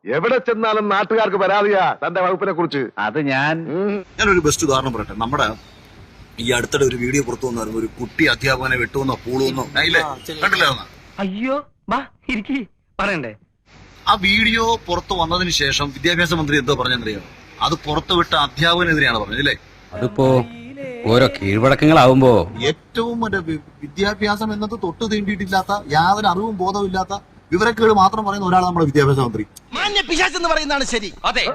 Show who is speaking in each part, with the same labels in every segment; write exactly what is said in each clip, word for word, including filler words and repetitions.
Speaker 1: എവിടെ ചെന്നാലും നാട്ടുകാർക്ക് പരാതിയാ തന്റെ വകുപ്പിനെ കുറിച്ച്.
Speaker 2: അത് ഞാൻ
Speaker 3: ഞാനൊരു ബെസ്റ്റ് ഉദാഹരണം പറയട്ടെ. നമ്മുടെ ഈ അടുത്തിടെ ഒരു വീഡിയോ പുറത്തു വന്നായിരുന്നു, ഒരു കുട്ടി അധ്യാപകനെ വെട്ടുവന്നോ പൂളുവന്നോ കണ്ടില്ലേ?
Speaker 4: അയ്യോ പറയണ്ടേ?
Speaker 3: ആ വീഡിയോ പുറത്തു വന്നതിന് ശേഷം വിദ്യാഭ്യാസ മന്ത്രി എന്തോ പറഞ്ഞെന്നറിയാം, അത് പുറത്തുവിട്ട അധ്യാപകനെതിരെയാണ് പറഞ്ഞത് അല്ലേ?
Speaker 2: അതിപ്പോ ഓരോ കീഴ്വഴക്കങ്ങളാവുമ്പോ
Speaker 3: ഏറ്റവും മറ്റേ വിദ്യാഭ്യാസം എന്നത് തൊട്ട് തീണ്ടിയിട്ടില്ലാത്ത, യാതൊരു അറിവും ബോധവും ഇല്ലാത്ത, വിവരക്കേട് മാത്രം പറയുന്ന ഒരാളാണ് നമ്മുടെ വിദ്യാഭ്യാസ മന്ത്രി.
Speaker 4: പിശാചെന്ന് പറയുന്നതാണ് ശരി. അതെ,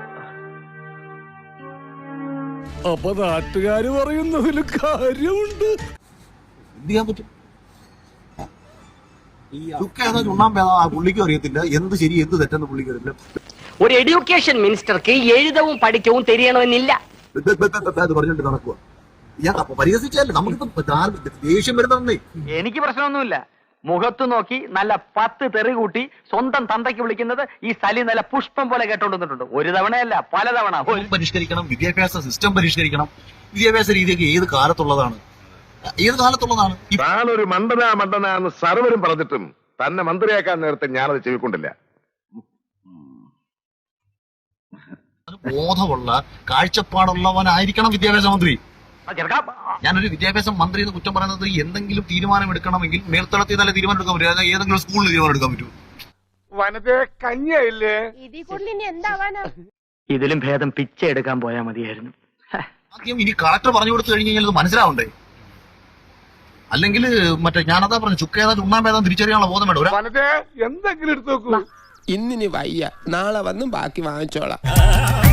Speaker 5: അപ്പൊ നാട്ടുകാര് പറയുന്നതിൽ കാര്യമുണ്ട്.
Speaker 3: എന്ത് ചെയ്യാൻ പറ്റും? ഏതാ ചുണ്ണാമ്പേതാ ആ പുള്ളിക്കും അറിയത്തില്ല, എന്ത് ശരി എന്ത് തെറ്റെന്ന് പുള്ളിക്ക് അറിയില്ല.
Speaker 6: ഒരു എഡ്യൂക്കേഷൻ മിനിസ്റ്റർക്ക് എഴുതവും പഠിക്കവും തെരിയണമെന്നില്ല.
Speaker 3: അത് പറഞ്ഞിട്ട് നടക്കുക. ഞാൻ പരിഹസിച്ചല്ലേ, നമുക്കിപ്പോ ദേഷ്യം വരുന്നേ.
Speaker 4: എനിക്ക് പ്രശ്നമൊന്നുമില്ല. മുഖത്ത് നോക്കി നല്ല പത്ത് തെറി കൂട്ടി സ്വന്തം തന്തയ്ക്ക് വിളിക്കുന്നത് ഈ സലി നല്ല പുഷ്പം പോലെ കേട്ടോണ്ടിട്ടുണ്ട്. ഒരു തവണയല്ല പലതവണ.
Speaker 3: പരിഷ്കരിക്കണം, വിദ്യാഭ്യാസ സിസ്റ്റം പരിഷ്കരിക്കണം. വിദ്യാഭ്യാസ രീതിയൊക്കെ ഏത് കാലത്തുള്ളതാണ്? ഏത് കാലത്തുള്ളതാണ്?
Speaker 1: താനൊരു മണ്ടനാ മണ്ടനാന്ന് സർവരും പറഞ്ഞിട്ടും തന്നെ മന്ത്രിയാക്കാൻ നേരത്തെ ഞാനത് ചെവിക്കൊണ്ടില്ല.
Speaker 3: ബോധമുള്ള കാഴ്ചപ്പാടുള്ളവനായിരിക്കണം വിദ്യാഭ്യാസ മന്ത്രി. ഞാനൊരു വിദ്യാഭ്യാസ മന്ത്രി എന്ന് കുറ്റം പറയുന്നത്, എന്തെങ്കിലും തീരുമാനം എടുക്കണമെങ്കിൽ മേൽത്തളത്തിൽ നല്ല തീരുമാനം എടുക്കാൻ പറ്റും, അതായത് ഏതെങ്കിലും സ്കൂളിൽ തീരുമാനം എടുക്കാൻ പറ്റും.
Speaker 4: ഇതിലും ഭേദം പിച്ച എടുക്കാൻ പോയാൽ മതിയായിരുന്നു.
Speaker 3: ആദ്യം ഇനി കളക്ടർ പറഞ്ഞു കൊടുത്തു കഴിഞ്ഞ് കഴിഞ്ഞാൽ ഇത് മനസ്സിലാവണ്ടേ? അല്ലെങ്കിൽ മറ്റേ ഞാനതാ പറഞ്ഞു, ചുക്കേതാ ചുണ്ണാമ്പേതാ തിരിച്ചറിയാനുള്ള ബോധം വേണ്ട.
Speaker 5: എന്തെങ്കിലും എടുത്തു നോക്കൂ.
Speaker 7: ഇന്നിനി വയ്യ, നാളെ വന്നും ബാക്കി വാങ്ങിച്ചോളാം.